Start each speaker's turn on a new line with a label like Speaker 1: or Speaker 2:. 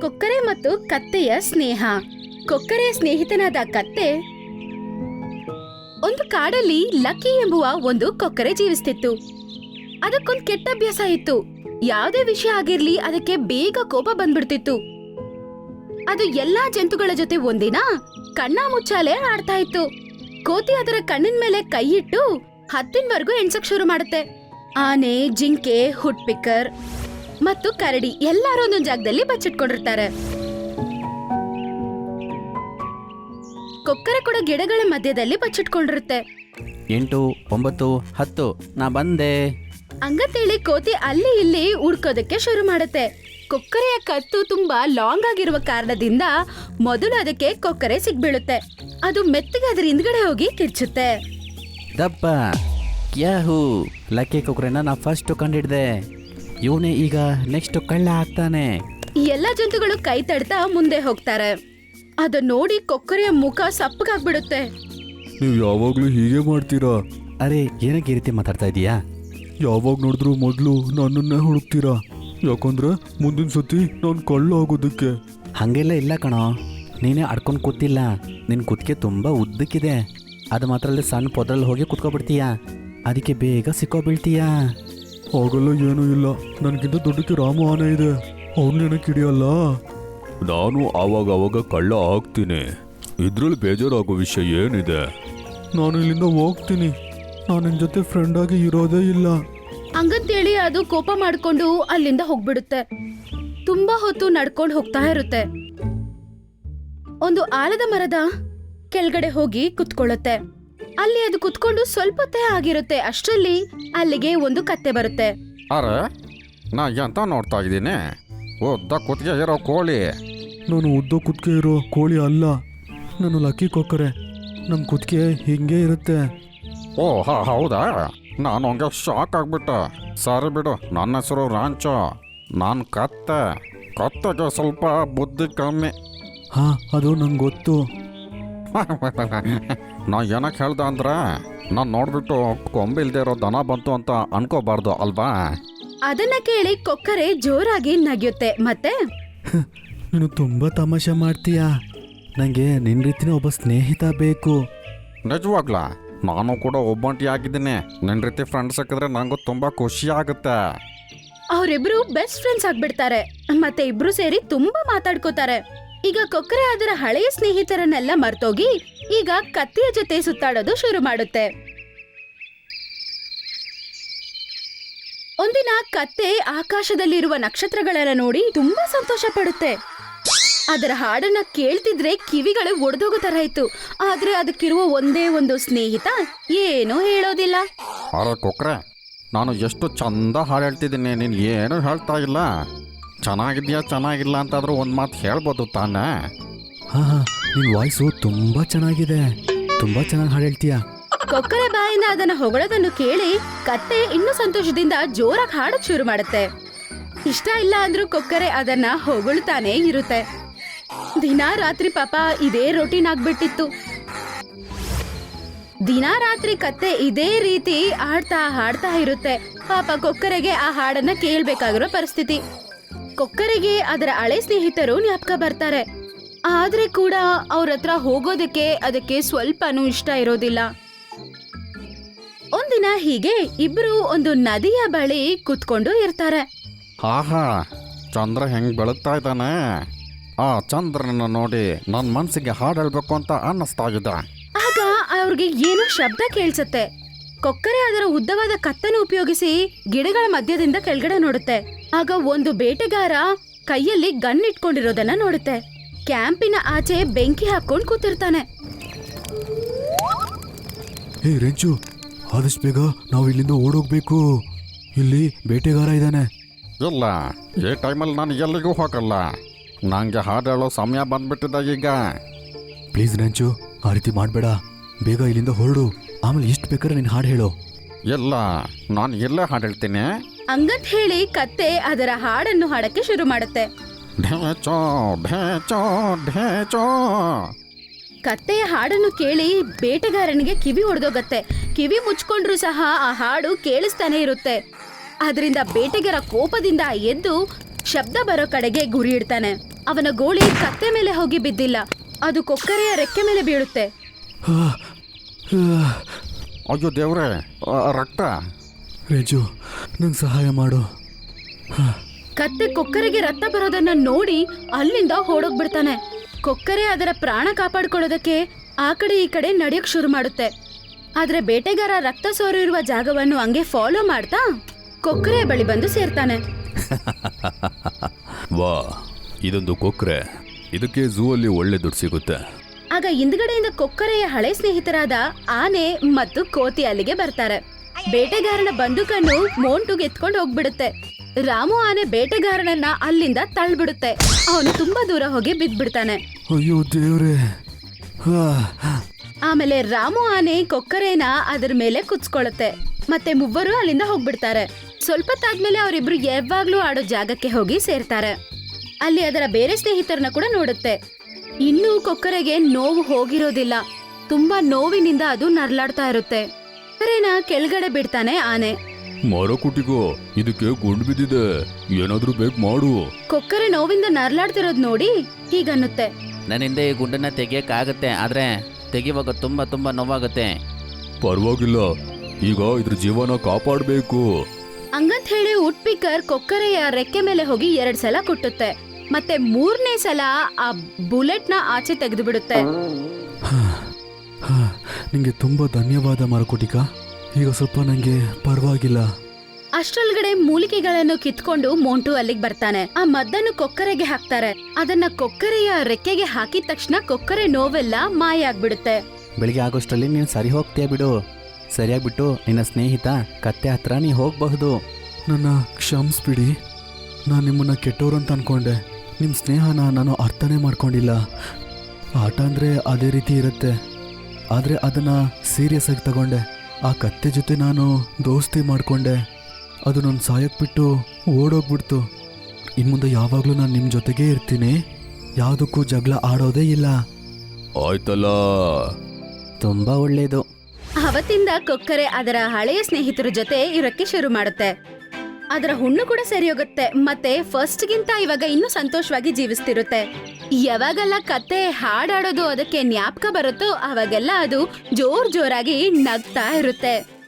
Speaker 1: ಕೊಕ್ಕರೆ ಮತ್ತು ಕತ್ತೆಯ ಸ್ನೇಹ. ಕೊಕ್ಕರೆಯ ಸ್ನೇಹಿತನಾದ ಕತ್ತೆ ಒಂದು ಕಾಡಲ್ಲಿ ಲಕ್ಕಿ ಎಂಬುವ ಒಂದು ಕೊಕ್ಕರೆ ಜೀವಿಸ್ತಿತ್ತು. ಅದಕ್ಕೊಂದು ಕೆಟ್ಟ ಅಭ್ಯಾಸ ಇತ್ತು. ಯಾವುದೇ ವಿಷಯ ಆಗಿರ್ಲಿ ಅದಕ್ಕೆ ಬೇಗ ಕೋಪ ಬಂದ್ಬಿಡ್ತಿತ್ತು. ಅದು ಎಲ್ಲಾ ಜಂತುಗಳ ಜೊತೆ ಒಂದಿನ ಕಣ್ಣ ಮುಚ್ಚಾಲೆ ಆಡ್ತಾ ಇತ್ತು. ಕೋತಿ ಅದರ ಕಣ್ಣಿನ ಮೇಲೆ ಕೈ ಇಟ್ಟು 10ವರೆಗೂ ಎಣ್ಸಕ್ ಶುರು ಮಾಡುತ್ತೆ. ಆನೆ, ಜಿಂಕೆ, ಹುಡ್ ಪಿಕ್ಕರ್ ಮತ್ತು ಕರಡಿ ಎಲ್ಲರೂ ಒಂದೊಂದು ಜಾಗದಲ್ಲಿ ಬಚ್ಚಿಟ್ಕೊಂಡಿರ್ತಾರೆ. ಕೊಕ್ಕರೆ ಕೂಡ ಗಿಡಗಳ ಮಧ್ಯದಲ್ಲಿ ಬಚ್ಚಿಟ್ಕೊಂಡಿರುತ್ತೆ.
Speaker 2: 8, 9, 10 ನಾ ಬಂದೆ.
Speaker 1: ಹಂಗಂತೇಳಿ ಕೋತಿ ಅಲ್ಲಿ ಇಲ್ಲಿ ಹುಡ್ಕೋದಕ್ಕೆ ಶುರು ಮಾಡುತ್ತೆ. ಕೊಕ್ಕರೆಯ ಕತ್ತು ತುಂಬಾ ಲಾಂಗ್ ಆಗಿರುವ ಕಾರಣದಿಂದ ಮೊದಲು ಅದಕ್ಕೆ ಕೊಕ್ಕರೆ ಸಿಗ್ಬೀಳುತ್ತೆ. ಅದು ಮೆತ್ತಗೆ ಅದರ ಹಿಂದ್ಗಡೆ ಹೋಗಿ ಕಿರ್ಚುತ್ತೆ.
Speaker 2: ದಪ್ಪ ಯಾಹೂ, ಲಕ್ಕಿ ಕೊಕ್ಕರೆನ ನಾ ಫಸ್ಟ್ ಕಂಡಿಡ್ದೆ. ಇವನೇ ಈಗ ನೆಕ್ಸ್ಟ್ ಕಳ್ಳ ಆಗ್ತಾನೆ.
Speaker 1: ಎಲ್ಲ ಜಂತುಗಳು ಕೈ ತಡ್ತಾ ಮುಂದೆ ಹೋಗ್ತಾರೆ. ಅದನ್ನ ನೋಡಿ ಕೊಕ್ಕರೆಯ ಮುಖ ಸಪ್ಪಗಾಗ್ಬಿಡುತ್ತೆ.
Speaker 3: ನೀವು ಯಾವಾಗ್ಲೂ ಹೀಗೆ ಮಾಡ್ತೀರಾ?
Speaker 2: ಅರೆ, ಏನಕ್ಕೆ ಈ ರೀತಿ ಮಾತಾಡ್ತಾ ಇದೀಯಾ?
Speaker 3: ಯಾವಾಗ ನೋಡಿದ್ರು ಮೊದಲು ನನ್ನನ್ನೇ ಹುಡುಕ್ತೀರಾ? ಯಾಕಂದ್ರೆ ಮುಂದಿನ ಸತಿ ನಾನು ಕಳ್ಳ ಆಗೋದಕ್ಕೆ.
Speaker 2: ಹಾಗೆಲ್ಲ ಇಲ್ಲ ಕಣೋ, ನೀನೇ ಅಡ್ಕೊಂಡು ಕೂತಿಲ್ಲ. ನಿನ್ನ ಕುತ್ತಿಗೆ ತುಂಬ ಉದ್ದಕ್ಕಿದೆ. ಅದು ಮಾತ್ರ ಅಲ್ಲಿ ಸಣ್ಣ ಪೊದ್ರಲ್ಲಿ ಹೋಗಿ ಕುತ್ಕೊಬಿಡ್ತೀಯಾ. ಅದಕ್ಕೆ ಬೇಗ ಸಿಕ್ಕೋಬೀಳ್ತೀಯಾ.
Speaker 3: ಆಗಲ್ಲ, ಏನೂ ಇಲ್ಲ. ನನಗಿಂತ ದೊಡ್ಡಕ್ಕೆ ರಾಮ ಆನೆ ಇದೆ, ಅವನ್ನೇನಕ್ಕೆ ಹಿಡಿಯಲ್ಲ. ನಾನು ಆವಾಗ ಕಳ್ಳ ಆಗ್ತೀನಿ. ಇದ್ರಲ್ಲಿ ಬೇಜಾರಾಗೋ ವಿಷಯ ಏನಿದೆ? ನಾನು ಇಲ್ಲಿಂದ ಹೋಗ್ತೀನಿ. ನಾನು ನಿನ್ನ ಜೊತೆ ಫ್ರೆಂಡ್ ಆಗಿ ಇರೋದೇ ಇಲ್ಲ.
Speaker 1: ಹಂಗಂತೇಳಿ ಅದು ಕೋಪ ಮಾಡ್ಕೊಂಡು ಅಲ್ಲಿಂದ ಹೋಗ್ಬಿಡುತ್ತೆ. ತುಂಬಾ ಹೊತ್ತು ನಡ್ಕೊಂಡು ಹೋಗ್ತಾ ಇರುತ್ತೆ. ಒಂದು ಆಲದ ಮರದ ಕೆಳಗಡೆ ಹೋಗಿ ಕುತ್ಕೊಳ್ಳುತ್ತೆ. ಅಲ್ಲಿ ಅದು ಕುತ್ಕೊಂಡು ಸ್ವಲ್ಪ ಹೊತ್ತೇ ಆಗಿರುತ್ತೆ. ಅಷ್ಟರಲ್ಲಿ ಅಲ್ಲಿಗೆ ಒಂದು ಕತ್ತೆ ಬರುತ್ತೆ.
Speaker 4: ಅರೆ, ನಾ ಎಂತ ನೋಡ್ತಾ ಇದ್ದೀನಿ? ಉದ್ದ ಕುತ್ತಿಗೆ ಇರೋ ಕೋಳಿ.
Speaker 3: ನಾನು ಉದ್ದ ಕುತ್ತಿಗೆ ಇರೋ ಕೋಳಿ ಅಲ್ಲ, ನಾನು ಲಕ್ಕಿ ಕೊಕ್ಕರೆ. ನಮ್ಮ ಕುತ್ತಿಗೆ ಹಿಂಗೆ ಇರುತ್ತೆ.
Speaker 4: ಓ ಹೌದಾ? ನಾನು ಹಂಗೆ ಶಾಕ್ ಆಗ್ಬಿಟ್ಟೆ. ಸರಿ ಬಿಡು, ನನ್ನ ಹೆಸರು ರಾಂಚೋ. ನಾನು ಕತ್ತೆಗೆ ಸ್ವಲ್ಪ ಬುದ್ಧಿ ಕಮ್ಮಿ.
Speaker 3: ಹಾ, ಅದು ನಂಗೆ ಗೊತ್ತು.
Speaker 4: ನಾ ಏನಕ್ಕೆ ಹೇಳ್ದೆ ಅಂದ್ರೆ, ನಾನು ನೋಡ್ಬಿಟ್ಟು ಕೊಂಬಿಲ್ದೇ ಇರೋ ದನ ಬಂತು ಅಂತ ಅನ್ಕೋಬಾರ್ದು ಅಲ್ವಾ?
Speaker 1: ಅದನ್ನ ಕೇಳಿ ಕೊಕ್ಕರೆ ಜೋರಾಗಿ ನಗಿಯುತ್ತೆ. ಮತ್ತೆ
Speaker 3: ನೀನು ತುಂಬ ತಮಾಷೆ ಮಾಡ್ತೀಯಾ. ನನಗೆ ನಿನ್ನ ರೀತಿನೇ ಒಬ್ಬ ಸ್ನೇಹಿತ ಬೇಕು.
Speaker 4: ನಿಜವಾಗ್ಲಾ? ನಾನು ಕೂಡ ಒಬ್ಬಂಟಿ ಆಗಿದ್ದೀನಿ. ನಿನ್ನ ರೀತಿ ಫ್ರೆಂಡ್ ಸಿಕ್ಕಿದ್ರೆ ನನಗೂ ತುಂಬ ಖುಷಿ ಆಗುತ್ತೆ.
Speaker 1: ಅವರಿಬ್ರು ಬೆಸ್ಟ್ ಫ್ರೆಂಡ್ಸ್ ಆಗ್ಬಿಡ್ತಾರೆ. ಮತ್ತೆ ಇಬ್ರು ಸೇರಿ ತುಂಬಾ ಮಾತಾಡ್ಕೋತಾರೆ. ಈಗ ಕೊಕ್ಕರೆ ಅದರ ಹಳೆಯ ಸ್ನೇಹಿತರನ್ನೆಲ್ಲ ಮರ್ತೋಗಿ ಈಗ ಕತ್ತೆಯ ಜೊತೆ ಸುತ್ತಾಡೋದು ಶುರು ಮಾಡುತ್ತೆ. ಒಂದಿನ ಕತ್ತೆ ಆಕಾಶದಲ್ಲಿರುವ ನಕ್ಷತ್ರಗಳನ್ನ ನೋಡಿ ತುಂಬಾ ಸಂತೋಷ ಪಡುತ್ತೆ. ಅದರ ಹಾಡನ್ನ ಕೇಳ್ತಿದ್ರೆ ಕಿವಿಗಳೇ ಒಡೆದೋಗೋ ತರ ಇತ್ತು. ಆದ್ರೆ ಅದಕ್ಕಿರುವ ಒಂದೇ ಒಂದು ಸ್ನೇಹಿತ ಏನೂ ಹೇಳೋದಿಲ್ಲ.
Speaker 4: ಅರೆ ಕೊಕ್ರೆ, ನಾನು ಎಷ್ಟು ಚಂದ ಹಾಡು ಹೇಳ್ತಿದ್ದೀನಿ, ನೀನು ಏನೂ ಹೇಳ್ತಾ ಇಲ್ಲ. ಚೆನ್ನಾಗಿದ್ಯಾ ಚೆನ್ನಾಗಿಲ್ಲ ಅಂತಾದ್ರೂ ಒಂದು ಮಾತು ಹೇಳ್ಬೋದು ತಾನೇ?
Speaker 3: ಹಾ, ನಿನ್ನ ವಾಯ್ಸು ತುಂಬ ಚೆನ್ನಾಗಿದೆ. ತುಂಬ ಚೆನ್ನಾಗಿ ಹಾಡು ಹೇಳ್ತೀಯಾ.
Speaker 1: ಕೊಕ್ಕರೆ ಬಾಯಿಂದ ಅದನ್ನ ಹೊಗಳೋದನ್ನು ಕೇಳಿ ಕತ್ತೆ ಇನ್ನೂ ಸಂತೋಷದಿಂದ ಜೋರಾಗಿ ಹಾಡಕ್ ಶುರು ಮಾಡುತ್ತೆ. ಇಷ್ಟ ಇಲ್ಲ ಅಂದ್ರೂ ಕೊಕ್ಕರೆ ಅದನ್ನ ಹೊಗಳ್ತಾನೆ ಇರುತ್ತೆ. ದಿನಾ ರಾತ್ರಿ ಪಾಪ ಇದೇ ರೊಟೀನ್ ಆಗ್ಬಿಟ್ಟಿತ್ತು. ದಿನಾ ರಾತ್ರಿ ಕತ್ತೆ ಇದೇ ರೀತಿ ಹಾಡ್ತಾ ಇರುತ್ತೆ. ಪಾಪ ಕೊಕ್ಕರೆಗೆ ಆ ಹಾಡನ್ನ ಕೇಳ್ಬೇಕಾಗಿರೋ ಪರಿಸ್ಥಿತಿ. ಕೊಕ್ಕರೆಗೆ ಅದರ ಹಳೆ ಸ್ನೇಹಿತರು ಜ್ಞಾಪಕ ಬರ್ತಾರೆ. ಆದ್ರೆ ಕೂಡ ಅವ್ರ ಹತ್ರ ಹೋಗೋದಕ್ಕೆ ಅದಕ್ಕೆ ಸ್ವಲ್ಪನೂ ಇಷ್ಟ ಇರೋದಿಲ್ಲ. ಒಂದಿನ ಹೀಗೆ ಇಬ್ರು ಒಂದು ನದಿಯ ಬಳಿ ಕುತ್ಕೊಂಡು ಇರ್ತಾರೆ.
Speaker 4: ಆಹಾ, ಚಂದ್ರ ಹೆಂಗ್ ಬೆಳಗ್ತಾ ಇದ್ದಾನೆ. ಆ ಚಂದ್ರನ ನೋಡಿ ನನ್ನ ಮನ್ಸಿಗೆ ಹಾಡು ಹೇಳ್ಬೇಕು ಅಂತ ಅನ್ನಿಸ್ತಾ ಇದೆ.
Speaker 1: ಆಗ ಅವ್ರಿಗೆ ಏನೋ ಶಬ್ದ ಕೇಳಿಸುತ್ತೆ. ಕೊಕ್ಕರೆ ಅದರ ಉದ್ದವಾದ ಕತ್ತನ್ನು ಉಪಯೋಗಿಸಿ ಗಿಡಗಳ ಮಧ್ಯದಿಂದ ಕೆಳಗಡೆ ನೋಡುತ್ತೆ. ಆಗ ಒಂದು ಬೇಟೆಗಾರ ಕೈಯಲ್ಲಿ ಗನ್ ಇಟ್ಕೊಂಡಿರೋದನ್ನ ನೋಡುತ್ತೆ. ಕ್ಯಾಂಪಿನ ಆಚೆ ಬೆಂಕಿ ಹಾಕೊಂಡು ಕೂತಿರ್ತಾನೆ.
Speaker 3: ಹೇ ರೆಂಚು, ಆದಷ್ಟು ಬೇಗ ನಾವು ಇಲ್ಲಿಂದ ಓಡೋಗ್ಬೇಕು. ಇಲ್ಲಿ ಬೇಟೆಗಾರ ಇದ್ದಾನೆ.
Speaker 4: ಇಲ್ಲ, ಈ ಟೈಮಲ್ಲಿ ನಾನು ಎಲ್ಲಿಗೂ ಹೋಗಲ್ಲ. ನನಗೆ ಹಾಡು ಹೇಳೋ ಸಮಯ ಬಂದ್ಬಿಟ್ಟಿದೆ ಈಗ.
Speaker 3: ಪ್ಲೀಸ್ ರೆಂಚು, ಆ ರೀತಿ ಮಾಡಬೇಡ. ಬೇಗ ಇಲ್ಲಿಂದ ಹೊರಡು. ಆಮೇಲೆ ಎಷ್ಟು ಬೇಕಾದ್ರೆ ನೀನು ಹಾಡು ಹೇಳು.
Speaker 4: ಇಲ್ಲ, ನಾನು ಎಲ್ಲೇ ಹಾಡು ಹೇಳ್ತೀನಿ.
Speaker 1: ಹಂಗಂತ ಹೇಳಿ ಕತ್ತೆ ಅದರ ಹಾಡನ್ನು ಹಾಡಕ್ಕೆ ಶುರು ಮಾಡುತ್ತೆ.
Speaker 4: ಢೇಚೋ ಢೇಚೋ ಢೇಚೋ.
Speaker 1: ಕತ್ತೆಯ ಹಾಡನ್ನು ಕೇಳಿ ಬೇಟೆಗಾರನಿಗೆ ಕಿವಿ ಒಡೆದೋಗತ್ತೆ. ಕಿವಿ ಮುಚ್ಕೊಂಡ್ರು ಸಹ ಆ ಹಾಡು ಕೇಳಿಸ್ತಾನೆ ಇರುತ್ತೆ. ಅದರಿಂದ ಬೇಟೆಗಾರ ಕೋಪದಿಂದ ಎದ್ದು ಶಬ್ದ ಬರೋ ಕಡೆಗೆ ಗುರಿ ಇಡ್ತಾನೆ. ಅವನ ಗೋಳಿ ಕತ್ತೆ ಮೇಲೆ ಹೋಗಿ ಬಿದ್ದಿಲ್ಲ, ಅದು ಕೊಕ್ಕರೆಯ ರೆಕ್ಕೆ ಮೇಲೆ ಬೀಳುತ್ತೆ.
Speaker 4: ಅಯ್ಯೋ ದೇವ್ರೆ, ರಕ್ತ.
Speaker 3: ರೇಜು, ನಂಗೆ ಸಹಾಯ ಮಾಡು.
Speaker 1: ಕತ್ತೆ ಕೊಕ್ಕರೆಗೆ ರಕ್ತ ಬರೋದನ್ನ ನೋಡಿ ಅಲ್ಲಿಂದ ಓಡೋಗ್ಬಿಡ್ತಾನೆ. ಕೊಕ್ಕರೆ ಅದರ ಪ್ರಾಣ ಕಾಪಾಡ್ಕೊಳ್ಳೋದಕ್ಕೆ ಆ ಕಡೆ ಈ ಕಡೆ ನಡೆಯಕ್ ಶುರು ಮಾಡುತ್ತೆ. ಆದ್ರೆ ಬೇಟೆಗಾರ ರಕ್ತ ಸೋರಿರುವ ಜಾಗವನ್ನು ಹಂಗೆ ಫಾಲೋ ಮಾಡ್ತಾ ಕೊಕ್ಕರೆಯ ಬಳಿ ಬಂದು ಸೇರ್ತಾನೆ.
Speaker 3: ವಾ, ಇದೊಂದು ಕೊಕ್ರೆ. ಇದಕ್ಕೆ ಝೂ ಅಲ್ಲಿ ಒಳ್ಳೆ ದುಡ್ಡು ಸಿಗುತ್ತೆ.
Speaker 1: ಆಗ ಹಿಂದ್ಗಡೆಯಿಂದ ಕೊಕ್ಕರೆಯ ಹಳೆ ಸ್ನೇಹಿತರಾದ ಆನೆ ಮತ್ತು ಕೋತಿ ಅಲ್ಲಿಗೆ ಬರ್ತಾರೆ. ಬೇಟೆಗಾರನ ಬಂದೂಕನ್ನು ಮೋಂಟುಗೆ ಎತ್ಕೊಂಡು ಹೋಗ್ಬಿಡುತ್ತೆ. ರಾಮು ಆನೆ ಬೇಟೆಗಾರನನ್ನ ಅಲ್ಲಿಂದ ತಳ್ಬಿಡುತ್ತೆ. ಅವನು ತುಂಬಾ ದೂರ ಹೋಗಿ ಬಿದ್ದ್ಬಿಡ್ತಾನೆ.
Speaker 3: ಅಯ್ಯೋ ದೇವ್ರೆ.
Speaker 1: ಆಮೇಲೆ ರಾಮು ಆನೆ ಕೊಕ್ಕರೆನ ಅದ್ರ ಮೇಲೆ ಕುಚ್ಕೊಳ್ಳುತ್ತೆ. ಮತ್ತೆ ಮೂವರು ಅಲ್ಲಿಂದ ಹೋಗ್ಬಿಡ್ತಾರೆ. ಸ್ವಲ್ಪ ತಾದ್ಮೇಲೆ ಅವರಿಬ್ರು ಯಾವಾಗ್ಲೂ ಆಡೋ ಜಾಗಕ್ಕೆ ಹೋಗಿ ಸೇರ್ತಾರೆ. ಅಲ್ಲಿ ಅದರ ಬೇರೆ ಸ್ನೇಹಿತರನ್ನ ಕೂಡ ನೋಡುತ್ತೆ. ಇನ್ನೂ ಕೊಕ್ಕರೆಗೆ ನೋವು ಹೋಗಿರೋದಿಲ್ಲ. ತುಂಬಾ ನೋವಿನಿಂದ ಅದು ನರ್ಲಾಡ್ತಾ ಇರುತ್ತೆ. ಕೊಕ್ಕರೆನ ಕೆಳಗಡೆ ಬಿಡ್ತಾನೆ ಆನೆ.
Speaker 3: ಮರ ಕುಟಿಗೋ, ಇದಕ್ಕೆ ಗುಂಡು ಬಿದ್ದಿದೆ, ಏನಾದ್ರೂ ಬೇಕು ಮಾಡು.
Speaker 1: ಕೊಕ್ಕರೆ ನೋವಿಂದ ನರ್ಲಾಡ್ತಿರೋದ್ ನೋಡಿ ಹೀಗನ್ನುತ್ತೆ.
Speaker 2: ನನ್ನಿಂದ ಈ ಗುಂಡನ್ನ ತೆಗಿಯಕ್ಕಾಗತ್ತೆ, ಆದ್ರೆ ತೆಗಿವಾಗ ತುಂಬಾ ತುಂಬಾ ನೋವಾಗುತ್ತೆ.
Speaker 3: ಪರವಾಗಿಲ್ಲ, ಈಗ ಇದ್ರ ಜೀವನ ಕಾಪಾಡಬೇಕು.
Speaker 1: ಹಂಗಂತ ಹೇಳಿ ವುಡ್ ಪಿಕ್ಕರ್ ಕೊಕ್ಕರೆಯ ರೆಕ್ಕೆ ಮೇಲೆ ಹೋಗಿ 2 ಸಲ ಕುಟ್ಟುತ್ತೆ. ಮತ್ತೆ 3ನೇ ಸಲ ಆ ಬುಲೆಟ್ನ ಆಚೆ ತೆಗೆದು ಬಿಡುತ್ತೆ.
Speaker 3: ನಿಂಗೆ ತುಂಬಾ ಧನ್ಯವಾದ ಮರಕುಟಿಕ. ಈಗ ಸ್ವಲ್ಪ ನಂಗೆ ಪರವಾಗಿಲ್ಲ.
Speaker 1: ಅಷ್ಟರೊಳಗಡೆ ಮೂಲಿಕೆಗಳನ್ನು ಕಿತ್ಕೊಂಡು ಮೋಂಟು ಅಲ್ಲಿಗೆ ಬರ್ತಾನೆ. ಆ ಮದ್ದನ್ನು ಕೊಕ್ಕರೆಗೆ ಹಾಕ್ತಾರೆ. ಅದನ್ನ ಕೊಕ್ಕರೆಯ ರೆಕ್ಕೆಗೆ ಹಾಕಿದ ತಕ್ಷಣ ಕೊಕ್ಕರೆ ನೋವೆಲ್ಲ ಮಾಯ ಆಗ್ಬಿಡುತ್ತೆ.
Speaker 2: ಬೆಳಿಗ್ಗೆ ಆಗೋಷ್ಟರಲ್ಲಿ ನೀನು ಸರಿ ಹೋಗ್ತೀಯ ಬಿಡು. ಸರಿಯಾಗ್ಬಿಟ್ಟು ನಿನ್ನ ಸ್ನೇಹಿತ ಕತ್ತೆ ಹತ್ರ ನೀ ಹೋಗಬಹುದು.
Speaker 3: ನನ್ನ ಕ್ಷಮಿಸ್ಬಿಡಿ. ನಾನು ನಿಮ್ಮನ್ನ ಕೆಟ್ಟವ್ರು ಅಂತ ಅನ್ಕೊಂಡೆ. ನಿಮ್ಮ ಸ್ನೇಹನ ನಾನು ಅರ್ಥನೇ ಮಾಡ್ಕೊಂಡಿಲ್ಲ. ಆಟ ಅಂದರೆ ಅದೇ ರೀತಿ ಇರುತ್ತೆ, ಆದರೆ ಅದನ್ನು ಸೀರಿಯಸ್ ಆಗಿ ತಗೊಂಡೆ. ಆ ಕತ್ತೆ ಜೊತೆ ನಾನು ದೋಸ್ತಿ ಮಾಡಿಕೊಂಡೆ. ಅದು ನನ್ನ ಸಾಯಕ್ಕೆ ಬಿಟ್ಟು ಓಡೋಗ್ಬಿಡ್ತು. ಇನ್ನು ಮುಂದೆ ಯಾವಾಗಲೂ ನಾನು ನಿಮ್ಮ ಜೊತೆಗೇ ಇರ್ತೀನಿ. ಯಾವುದಕ್ಕೂ ಜಗಳ ಆಡೋದೇ ಇಲ್ಲ. ಆಯ್ತಲ್ಲ.
Speaker 2: ತುಂಬ ಒಳ್ಳೆಯದು.
Speaker 1: ಅವತ್ತಿಂದ ಕೊಕ್ಕರೆ ಅದರ ಹಳೆಯ ಸ್ನೇಹಿತರ ಜೊತೆ ಇರಕ್ಕೆ ಶುರು ಮಾಡುತ್ತೆ. ಅದರ ಹುಣ್ಣು ಕೂಡ ಸರಿ ಹೋಗುತ್ತೆ. ಮತ್ತೆ ಫಸ್ಟ್ಗಿಂತ ಇವಾಗ ಇನ್ನೂ ಸಂತೋಷವಾಗಿ ಜೀವಿಸ್ತಿರುತ್ತೆ. ಯಾವಾಗೆಲ್ಲ ಕತ್ತೆ ಹಾಡಾಡೋದು ಅದಕ್ಕೆ ಜ್ಞಾಪಕ ಬರುತ್ತೋ ಅವಾಗೆಲ್ಲ ಅದು ಜೋರಾಗಿ ನಗ್ತಾ ಇರುತ್ತೆ.